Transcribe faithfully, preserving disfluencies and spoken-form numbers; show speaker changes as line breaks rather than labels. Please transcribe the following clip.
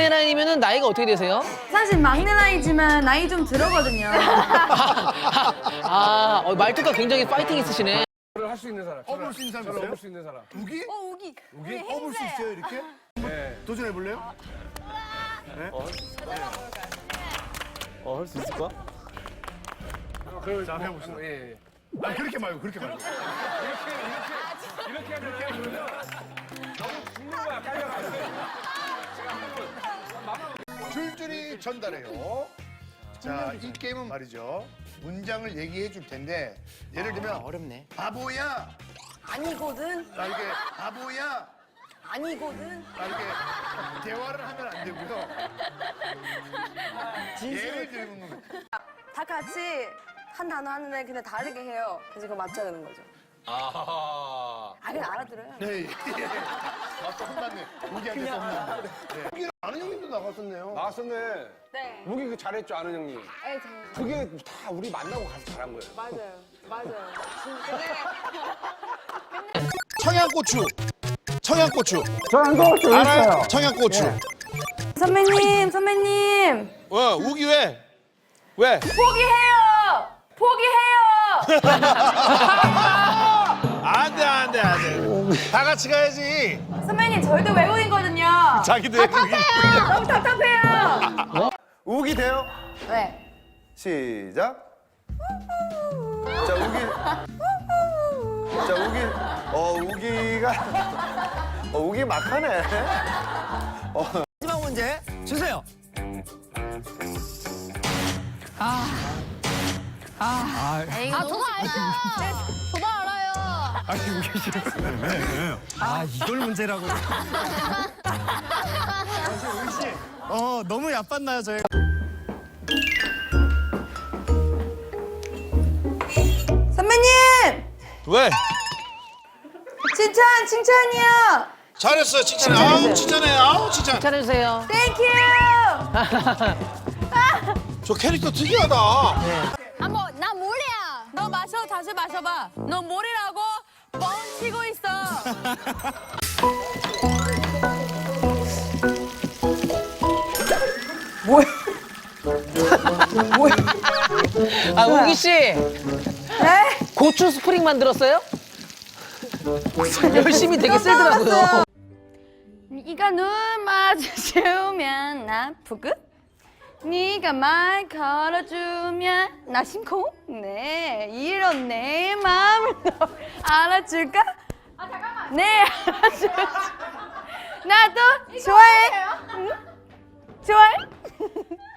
막내 나이면은 나이가 어떻게 되세요?
사실 막내 나이지만 나이 좀 들어거든요.
아, 어, 말투가 굉장히 파이팅 있으시네.
할 수 있는 사람.
어볼 수 있는 사람 있어요?
어볼 수 있는 사람.
우기?
어, 우기.
우기? 어볼 수 있어요 이렇게?
네.
도전해 볼래요?
어, 할 수 있을까?
그럼
자, 해봅시다.
예, 예.
아 그렇게 말고 그렇게 말고.
이렇게 하잖아요. 그러면 너무 죽는 거야. 깔려가지고.
줄줄이 전달해요. 자, 이 게임은 말이죠. 문장을 얘기해 줄 텐데 예를 들면
어렵네.
바보야.
아니거든.
나 이게 바보야.
아니거든.
나 이게 대화를 하면 안 되고요. 예를 들면
다 같이 한 단어 하는데 근데 다르게 해요. 그래서 그거 맞춰야 되는 거죠.
아.
아, 그냥 알아들어요.
네. 예. 아, 또 혼났네. 우기한테 또 혼났네. 네. 우기는 아는 형님도 나갔었네요.
나왔었네.
네.
우기 그 잘했죠, 아는 형님.
네, 잘-
그게 다 우리 만나고 가서 잘한 거예요.
맞아요. 맞아요.
청양고추. 청양고추. 청양고추 알아요? 청양고추.
선배님, 선배님.
왜? 우기 왜? 왜?
포기해요. 포기해요.
안 돼, 안 돼, 안 돼. 다 같이 가야지.
선배님, 저희도 외국인거든요.
자기도 외국인.
너무 답답해요.
우기 돼요?
네.
시작. 자, 우기. 자, 우기. 어, 우기가. 어, 우기 막하네.
마지막 문제 주세요.
아, 저도 알아요. 저도 알아요.
아니 우기 씨. 아 이걸 문제라고. 어 너무 얕봤나요 저희가?
선배님!
왜?
칭찬, 칭찬이요.
잘했어요. 칭찬해. 아우, 칭찬해. 아우, 칭찬.
잘해주세요.
땡큐.
저 캐릭터 특이하다.
한번 나 모래야.
너 마셔, 다시 마셔봐. 너 뭐리라고 뻥치고 있어.
아, 우기 씨.
네?
고추 스프링 만들었어요? 열심히 되게 세더라고요.
네가 눈 마주치면 나 푸긋. 네가 말 걸어주면 나 심쿵. 네, 이런 내 마음을 너 알아줄까? 아 잠깐만. 네, 알아줄지. 나도 좋아해. 응? 좋아해?